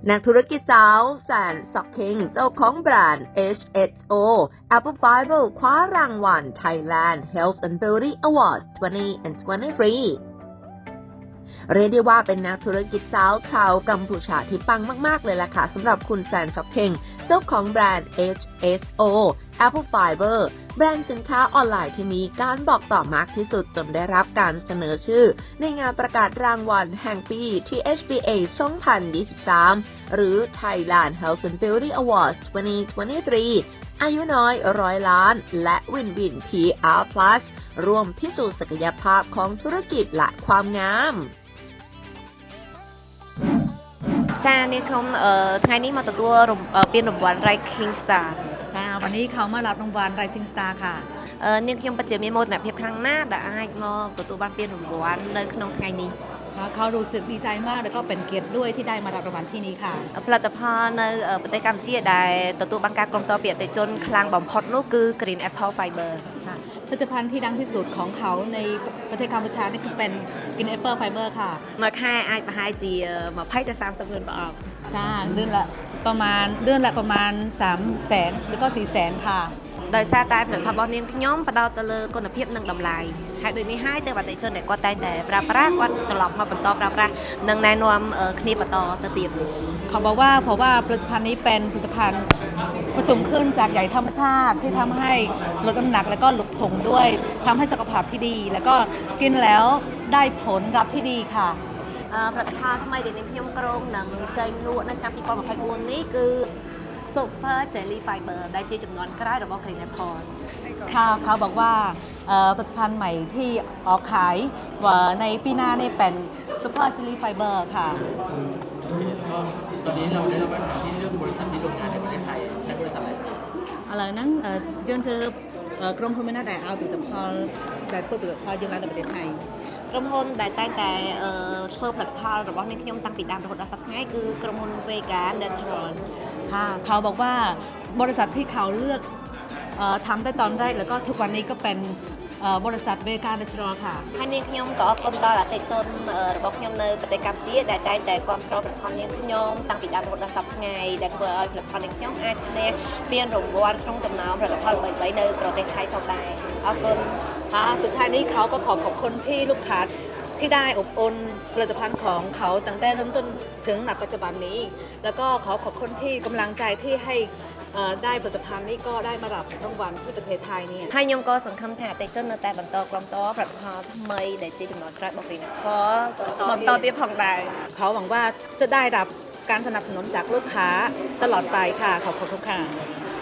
นักธุรกิจสาวแสนซ็อกคิงเจ้าของแบรนด์ HSO Apple Fiber คว้ารางวัล Thailand Health and Beauty Awards 2023 เรียกได้ว่าเป็นนักธุรกิจสาวชาวกัมพูชาที่ปังมากๆเลยล่ะค่ะสำหรับคุณแสนซ็อกคิงเจ้าของแบรนด์ HSO Apple Fiber แบรนด์สินค้าออนไลน์ที่มีการบอกต่อมากที่สุดจนได้รับการเสนอชื่อในงานประกาศรางวัลแห่งปี THBA 2023 หรือ Thailand Health and Beauty Awards 2023 อายุน้อย100 ล้านและวินวิน PR Plus ร่วมพิสูจน์ศักยภาพของธุรกิจและความงามจ้าเนี่ยเขาไงนี้มาตัวเปลี่ยนรางวัล Rising Star จ้าวันนี้เขามารับรางวัล Rising Star ค่ะเนี่ยខ្ញុំពិតជាមានមោទនភាពខ្លាំងណាស់ដែលអាចមកទទួលបានពានរង្វាន់នៅក្នុងថ្ងៃនេះเขารู้สึกดีใจมากแล้วก็เป็นเกียรติด้วยที่ได้มารับรางวัลที่นี้ค่ะផលិតផលនៅប្រទេសកម្ពុជាដែលទទួលបានការគ្រប់គ្រងពីអតិថិជនខ្លាំងបំផុតនោះគឺ Green Apple Fiber ค่ะผลิตภัณฑ์ที่ดังที่สุดของเขาในประเทศกัมพูชานี่คือเป็น Green Apple Fiber ค่ะមួយខែអាចប្រហែលជា20ទៅ30 លានប្រអប់จ้าเดือนละประมาณ300,000หรือก็400,000ค่ะដោយសារតែផលិតផលរបស់នាងខ្ញុំផ្ដោតទៅលើគុណភាពនិងតម្លៃហើយដូចនេះហើយទៅអតិថិជនដែលគាត់តែងតែប្រើប្រាស់គាត់ត្រឡប់មកបន្តប្រើប្រាស់និងណែនាំគ្នាបន្តទៅទៀតเขาบอกว่าเพราะว่าผลิตภัณฑ์นี้เป็นผลิตภัณฑ์ผสมขึ้นจากใยธรรมชาติที่ทำให้ลดน้ำหนักแล้วก็ลดผงด้วยทำให้สุขภาพที่ดีแล้วก็กินแล้วได้ผลลัพธ์ที่ดีค่ะผลิตภัณฑ์ថ្មីដែលនាងខ្ញុំក្រុងនឹងចេញលក់នៅឆ្នាំ2024នេះគឺ Super Jelly Fiber ដែលជាចំនួនក្រោយរបស់ Green Apple เขาบอกว่าผลิตภัณฑ์ใหม่ที่ออกขายในปีหน้านี่เป็น Super Jelly Fiber ค่ะตอนนี้เราได้รับปัญหาที่เรื่องบริษัทที่โรงงานในประเทศไทยใช้บริษัทอะไรอะไรนั้นយើងជឿក្រុមហ៊ុនមានដែលឲ្យផលិតផលដែលធ្វើផលិតផលយើងឡើងនៅប្រទេសថៃក្រុមហ៊ុនដែលតែងតែធ្វើផលិតផលរបស់នាងខ្ញុំតាំងពីដើមរហូតដល់សប្តាហ៍ថ្ងៃគឺក្រុមហ៊ុន Vega Natural ค่ะเขาบอกว่าบริษัทที่เขาเลือกทำแต่ตอนแรกแล้วก็ทุกวันนี้ก็เป็นบริษัท Vega Natural ค่ะហើយនាងខ្ញុំក៏អរគុណដល់អតិថិជនរបស់ខ្ញុំនៅប្រទេសកម្ពុជាដែលតែងតែគាំទ្រផលិតផលនាងខ្ញុំតាំងពីដើមរហូតដល់សប្តាហ៍ថ្ងៃដែលធ្វើឲ្យផលិតផលនាងខ្ញុំអាចឈ្នះពានរង្វាន់ក្នុងចំណោមផលិតផលល្បីៗនៅប្រទេសថៃផងដែរអរគុណสุดท้ายนี้เขาก็ขอบคุณที่ลูกค้าที่ได้อบอุ่นผลิตภัณฑ์ของเขาตั้งแต่เริ่มต้นถึงณปัจจุบันนี้แล้วก็ขอบคุณที่กำลังใจที่ให้ได้ผลิตภัณฑ์นี้ก็ได้มารับรางวัลที่ประเทศไทยเนี่ยហើយខ្ញុំក៏សង្ឃឹមថាអតិថិជននៅតែបន្តក្រុមតផលិតផលថ្មីដែលជាចំណុចក្រោយរបស់ Green Apple បន្តទៀតផងដែរเขาหวังว่าจะได้รับการสนับสนุนจากลูกค้าตลอดไปค่ะขอบคุณค่ะ